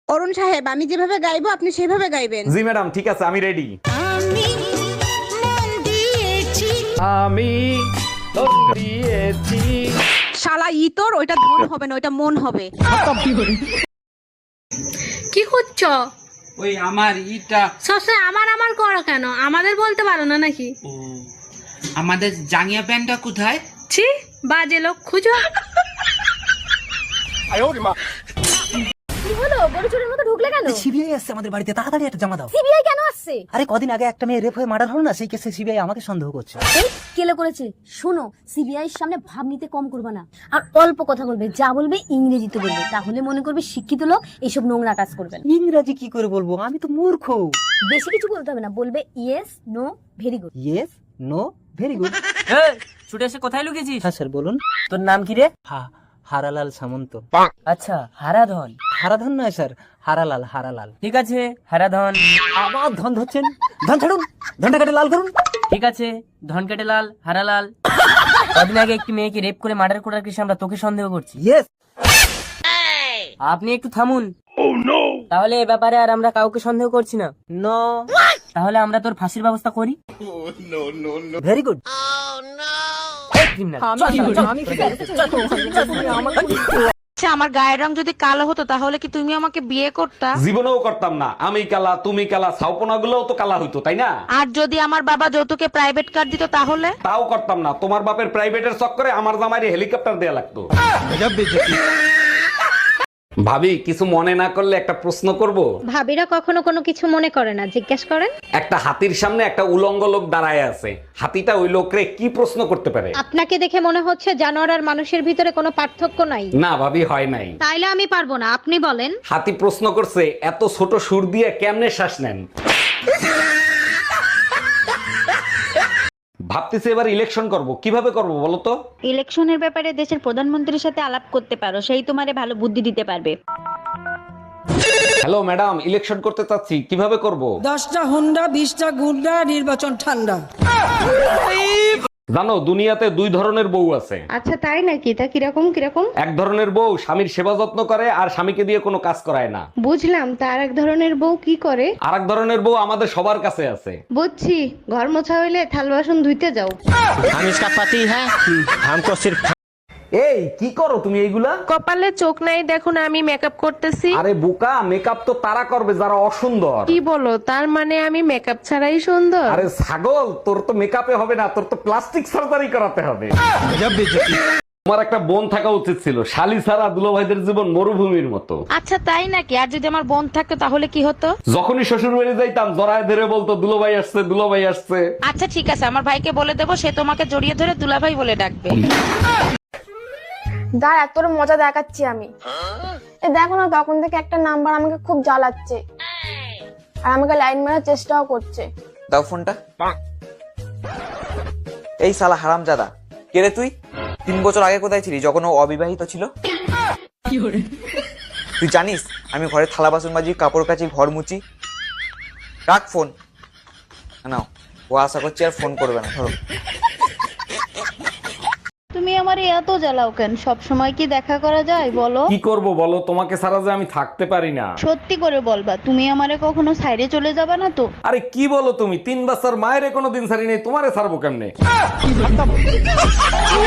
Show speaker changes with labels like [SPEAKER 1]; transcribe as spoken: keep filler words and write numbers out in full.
[SPEAKER 1] অরুণ সাহেব, আমি যেভাবে গাইবো আপনি সেভাবে গাইবেন।
[SPEAKER 2] জি ম্যাডাম, ঠিক আছে, আমি রেডি।
[SPEAKER 1] আমি মন দিয়েছি।
[SPEAKER 2] আমি মন দিয়েছি।
[SPEAKER 1] শালা ইতর, ওইটা ধন হবে না, ওইটা মন হবে।
[SPEAKER 3] কি করছো?
[SPEAKER 4] ওই আমার ইটা
[SPEAKER 3] সবসময় আমার আমার করো কেন? আমাদের বলতে পারো না নাকি?
[SPEAKER 4] ও আমাদের জাঙ্গিয়া প্যান্টটা কোথায়?
[SPEAKER 3] ছি, বাজে লোক খুঁজো।
[SPEAKER 5] কি হলো, গরু চোরের মতো ঢুকলে কেন?
[SPEAKER 6] সিবিআই আসছে আমাদের বাড়িতে, তাড়াতাড়ি একটা জমা দাও।
[SPEAKER 5] সিবিআই কেন আসছে?
[SPEAKER 6] আরে কদিন আগে একটা মেয়ে রেপ হয়ে মার্ডার হলো না, সেই কেসে সিবিআই আমাকে সন্দেহ করছে।
[SPEAKER 5] এই কেলে করেছে? শোনো, সিবিআই এর সামনে ভাব নিতে কম করবে না, আর অল্প কথা বলবে, যা বলবে ইংরেজিতে বলবে, তাহলে মনে করবে শিক্ষিত লোক এইসব নোংরা কাজ করবে না।
[SPEAKER 6] ইংরাজি কি করে বলবো, আমি তো মূর্খ।
[SPEAKER 5] বেশি কিছু বলতে হবে না, বলবে yes no very good.
[SPEAKER 6] Yes no very good.
[SPEAKER 7] ছুটে এসে কোথায় লুকিয়েছিস?
[SPEAKER 6] হ্যাঁ স্যার বলুন।
[SPEAKER 7] তোর নাম কি রে?
[SPEAKER 6] হা হারালাল সামন্ত।
[SPEAKER 7] আচ্ছা, হারাধন।
[SPEAKER 6] হারাধন নয় স্যার, হারালাল হারালাল।
[SPEAKER 7] ঠিক আছে, হারাধন।
[SPEAKER 6] আবার ধন ধরছেন, ধন ছাড়ুন, ধনটা কেটে লাল করুন।
[SPEAKER 7] ঠিক আছে, ধন কেটে লাল, হারালাল। কদিন আগে একটি মেয়েকে রেপ করে মার্ডার করার কেসে আমরা তোকে সন্দেহ করছি।
[SPEAKER 6] ইয়েস।
[SPEAKER 7] আপনি একটু থামুন। তাহলে এ ব্যাপারে আর আমরা কাউকে সন্দেহ করছি না।
[SPEAKER 6] নো।
[SPEAKER 7] তাহলে আমরা তোর ফাঁসির ব্যবস্থা করি।
[SPEAKER 6] Very good.
[SPEAKER 1] আচ্ছা, আমার গায়ের রং যদি কালো হতো তাহলে কি তুমি আমাকে বিয়ে করতা?
[SPEAKER 2] জীবনেও করতাম না। আমি কালা, তুমি কালা, ছাউপনা গুলোও তো কালা হইতো, তাই না?
[SPEAKER 1] আর যদি আমার বাবা যৌতুকে প্রাইভেট কার দিত তাহলে?
[SPEAKER 2] তাও করতাম না। তোমার বাপের প্রাইভেটের চক্করে আমার জামাইরে হেলিকপ্টার দেয়া লাগতো। ভাবি, কিছু মনে না করলে একটা প্রশ্ন করব?
[SPEAKER 8] ভাবিরা কখনো কোনো কিছু মনে করে না, জিজ্ঞেস করেন।
[SPEAKER 2] একটা হাতির সামনে একটা উলঙ্গ লোক দাঁড়ায় আছে। হাতিটা ওই লোকরে কি প্রশ্ন করতে পারে?
[SPEAKER 8] আপনাকে দেখে মনে হচ্ছে জানোয়ার আর মানুষের ভিতরে কোনো পার্থক্য নাই।
[SPEAKER 2] না ভাবি, হয় নাই।
[SPEAKER 8] তাইলে আমি পারবো না, আপনি বলেন।
[SPEAKER 2] হাতি প্রশ্ন করছে, এত ছোট সুর দিয়ে কেমনে শ্বাস নেন? ভাবতেছি এবার ইলেকশন করব, কিভাবে করব বলো তো?
[SPEAKER 8] ইলেকশনের ব্যাপারে দেশের প্রধানমন্ত্রীর সাথে আলাপ করতে পারো, সেই তোমারে ভালো বুদ্ধি দিতে পারবে।
[SPEAKER 2] হ্যালো ম্যাডাম, ইলেকশন করতে চাচ্ছি, কিভাবে করব?
[SPEAKER 9] দশটা হুন্ডা বিশটা গুন্ডা, নির্বাচন ঠান্ডা।
[SPEAKER 2] জানো, দুনিয়াতে দুই ধরনের বউ আছে।
[SPEAKER 8] আচ্ছা তাই নাকি? তা কিরকম কিরকম?
[SPEAKER 2] এক ধরনের বউ স্বামীর সেবা যত্ন করে আর স্বামীকে দিয়ে কোনো কাজ করায় না।
[SPEAKER 8] বুঝলাম, তার এক ধরনের বউ কি করে?
[SPEAKER 2] আর এক ধরনের বউ আমাদের সবার কাছে আছে।
[SPEAKER 8] বুঝছি, ঘর মোছা হইলে থাল বাসন ধুইতে যাও।
[SPEAKER 7] हम इसका पति है, हमको सिर्फ।
[SPEAKER 2] এই কি করো তুমি এইগুলা?
[SPEAKER 3] কপালে চোখ নাই দেখো না, আমি মেকআপ করতেছি।
[SPEAKER 2] আরে বোকা, মেকআপ তো তারা করবে যারা অসুন্দর।
[SPEAKER 3] কি বলো, তার মানে আমি মেকআপ ছাড়াই সুন্দর?
[SPEAKER 2] আরে ছাগল, তোর তো মেকআপে হবে না, তোর তো প্লাস্টিক সার্জারি করাতে হবে। তোমার একটা বোন থাকা উচিত ছিল, শালি ছাড়া দুলাভাইদের জীবন মরুভূমির মতো।
[SPEAKER 1] আচ্ছা তাই নাকি? আর যদি আমার বোন থাকতো তাহলে কি হতো?
[SPEAKER 2] যখনই শ্বশুর বাড়ি যাইতাম জড়ায় ধরে বলতো দুলাভাই আসছে, দুলাভাই আসছে।
[SPEAKER 1] আচ্ছা ঠিক আছে, আমার ভাইকে বলে দেবো, সে তোমাকে জড়িয়ে ধরে দুলাভাই বলে ডাকবে।
[SPEAKER 10] দাঁড়া, তোর মজা দেখাচ্ছি আমি। এ দেখো না, তখন থেকে একটা নাম্বার আমাকে খুব জ্বালাচ্ছে আর আমাকে লাইন মারার চেষ্টাও করছে।
[SPEAKER 11] দাও ফোনটা। এই শালা হারামজাদা, কে রে তুই? তিন বছর আগে কোথায় ছিলি যখন ও অবিবাহিত ছিল? তুই জানিস আমি ঘরে থালা বাসন মাজি, কাপড় কাচি, ঘর মুচি। রাখ ফোন। নাও, ও আশা করছি আর ফোন করবে না। ধরো।
[SPEAKER 8] তুমি আমারে এত জ্বালাও কেন? সব সময় কি দেখা করা যায় বলো?
[SPEAKER 2] কি করব বলো, তোমাকে ছাড়া যে আমি থাকতে পারি না।
[SPEAKER 8] সত্যি করে বলবা, তুমি আমারে কখনো সাইডে চলে যাবা না তো?
[SPEAKER 2] আরে কি বলো তুমি, তিন বছর মায়ের কোনো দিন ছাড়ি নেই, তোমারে ছাড়বো কেমনে?